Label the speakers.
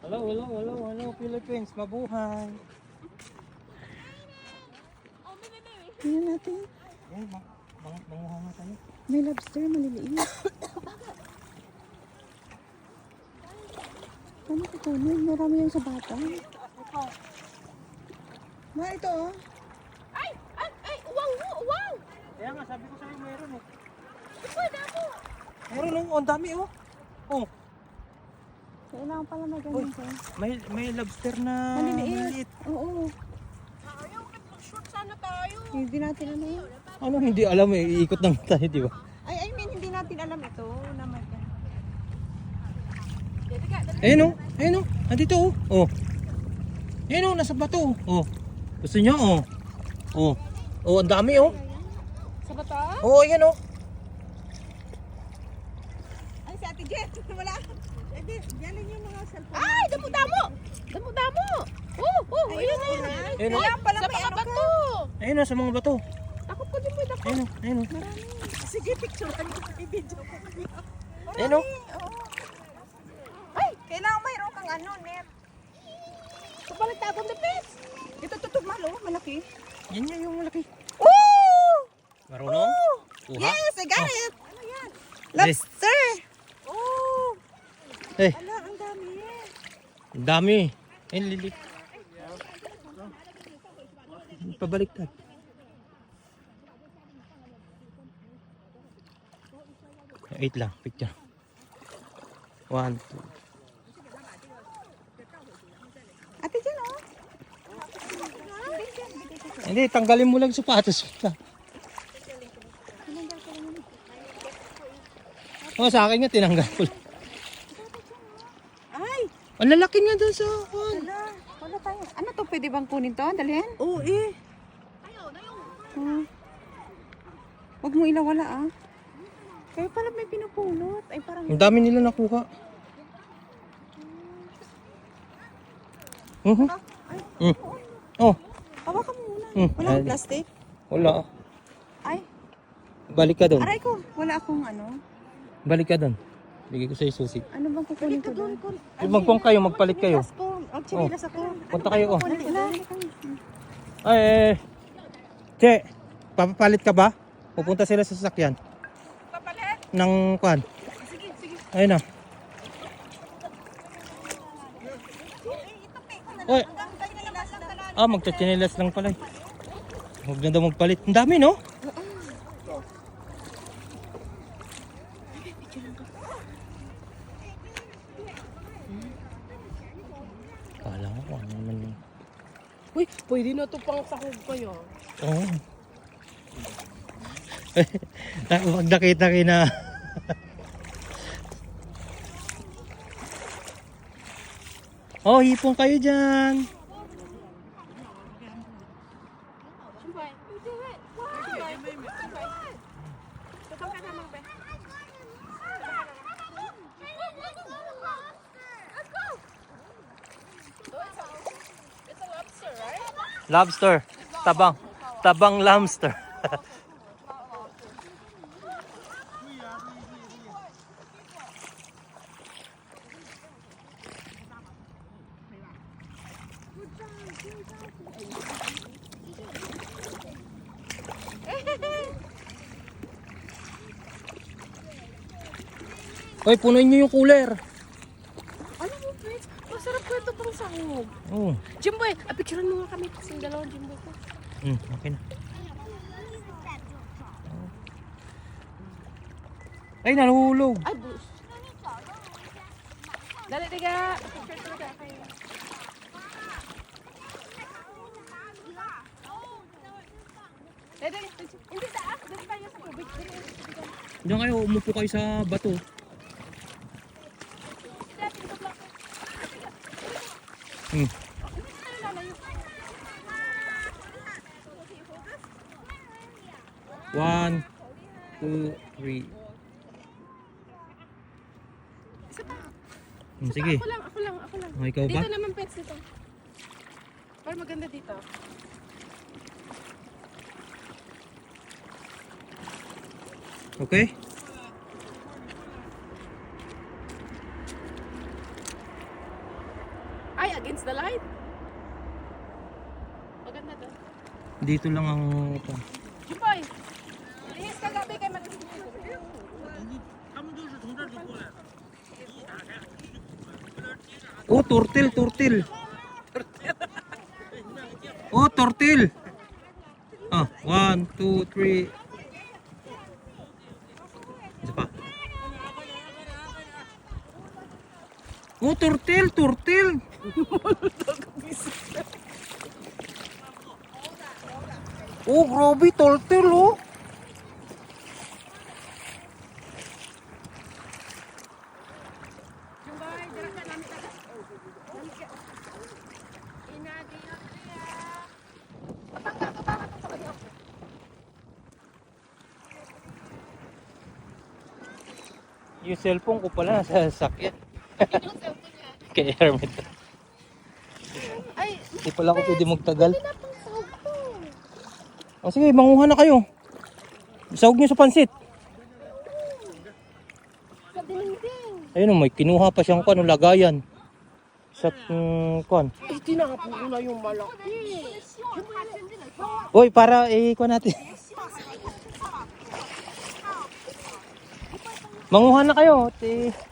Speaker 1: Hello, Philippines, mabuhay.
Speaker 2: Tingnan natin.
Speaker 1: Eh, manguha nga tayo.
Speaker 2: May lobster, maliliit. Paano kukunin? Marami yan sa bata. Ma, ito oh.
Speaker 3: Ay! Uwang! Uwang!
Speaker 1: Kaya nga, sabi ko sa'yo, meron eh.
Speaker 3: Pwede ako!
Speaker 1: Meron oh, ang dami oh. Oh,
Speaker 2: Kailangan pala may ganyan ko.
Speaker 1: may lobster na
Speaker 2: Maliliit. Oo.
Speaker 3: Ayaw, mag-shoot sana tayo.
Speaker 2: Hindi natin ano.
Speaker 1: Ano, hindi alam eh, iikot lang tayo, di ba?
Speaker 2: I mean, hindi natin alam ito. Na may
Speaker 1: Ayun oh, andito oh. Oh. Ayun oh, nasa bato oh. Gusto nyo oh. Oh. Oh, ang dami oh.
Speaker 3: Sa bata?
Speaker 1: Oh, ayan oh.
Speaker 2: Ay, si Ate Jet. Wala. Eh, diyan yung mga cellphone.
Speaker 3: Ay! Damo-damo! Damo-damo! Ayun na yun.
Speaker 1: Ayun oh.
Speaker 2: Kaya pala
Speaker 3: Sa
Speaker 2: may
Speaker 3: mga
Speaker 2: ano ka.
Speaker 3: bato!
Speaker 1: Ayun oh, sa mga bato.
Speaker 3: Ako po din pwede ako.
Speaker 1: Ayun oh.
Speaker 2: Sige, picturean ko. I-video ko.
Speaker 1: Ayun oh.
Speaker 2: Ay, kailangan mayroon kang ano, net.
Speaker 3: Kapalit ako ng pes.
Speaker 2: Ito tutugmal oh, malaki.
Speaker 1: Yan nga yung malaki.
Speaker 2: Oh!
Speaker 1: Marunong? Kuha?
Speaker 2: Yes, I got it.
Speaker 3: Ano yan?
Speaker 2: Lobster.
Speaker 3: Oh!
Speaker 1: Eh,
Speaker 2: Ala, ang dami.
Speaker 1: ang dami. Ayun, lilik. Pabaliktad. Wait lang, picture. 1, 2.
Speaker 2: Ate Jen oh.
Speaker 1: Hindi, tanggalin mo lang sapatos. Oh, sa akin nga tinanggal ko.
Speaker 2: Ay,
Speaker 1: Ang lalaki nga doon sa akin.
Speaker 2: wala tayo. Ano to, pwede bang kunin to? Dalhin?
Speaker 1: Oo eh.
Speaker 2: Oh. Huwag mo ilawala ah. Kaya pala may pinupulot. Ay parang...
Speaker 1: Ang dami nila nakuha. Oh,
Speaker 2: Hawakan mo muna.
Speaker 1: Hmm.
Speaker 2: Wala akong plastic.
Speaker 1: wala.
Speaker 2: Ay,
Speaker 1: Balik ka doon.
Speaker 2: aray ko. Wala akong ano.
Speaker 1: Balik ka doon. Bigay ko sa'yo susi.
Speaker 2: Ano bang kukunin ko doon?
Speaker 1: Magpong kayo, magpalit kayo.
Speaker 2: Ang chinilas ako.
Speaker 1: Punta kayo oh.
Speaker 2: Kunin ko doon.
Speaker 1: Ay, Che, papapalit ka ba? Pupunta sila sa sasakyan.
Speaker 3: Papalit?
Speaker 1: Ng kwan.
Speaker 3: Sige.
Speaker 1: Ayun na. Oy. Magchachinelas lang pala. Huwag na daw magpalit. Ang dami no? Kala ko kung ano naman yun.
Speaker 3: Uy, pwede na ito pang sahog kayo.
Speaker 1: Oo. Huwag nakita kina. Oh, hipon kayo dyan.
Speaker 3: It's a lobster, right?
Speaker 1: Lobster. Tabang. Tabang lobster. Hoy, punuin nyo yung cooler.
Speaker 3: Ano mo, Prince? Masarap ko ito pang sahog.
Speaker 1: Oh.
Speaker 3: Jimboy, picturean mo nga kami kasi yung dalawang Jimboy ko.
Speaker 1: Okay na. Ay, nahulog.
Speaker 3: Ay, bus. Dali, tiga. Picture talaga kayo. Hindi taas. Doon tayo sa tubig.
Speaker 1: Diyan kayo, umupo kayo sa bato. One, two, three.
Speaker 3: Isa pa.
Speaker 1: Sige.
Speaker 3: Ako lang.
Speaker 1: Oh, ikaw ba?
Speaker 3: Dito naman pets dito. Para maganda dito.
Speaker 1: Okay?
Speaker 3: Ay, against the light. Maganda to.
Speaker 1: Dito lang ang ito.
Speaker 3: Jumpay. Lihis ka gabi kay mag...
Speaker 1: Oh, turtle, turtle. Oh, turtle. Ah, 1, 2, 3. Isa pa. Oh, turtle, turtle. Oh, grabe, turtle, oh. Yung cellphone ko pala nasa sasakyan. Kay Hermit.
Speaker 3: Ay,
Speaker 1: Hindi pala ako pwede magtagal.
Speaker 3: hindi na pang sahog to.
Speaker 1: O sige, manguha na kayo. Sahog nyo sa pansit.
Speaker 3: Sa dinding.
Speaker 1: Ayun o, may kinuha pa siyang kwan, lagayan. Sa kwan.
Speaker 3: Ay, tinapo ko na yung malaki.
Speaker 1: Uy, para kwan natin. Manguha na kayo.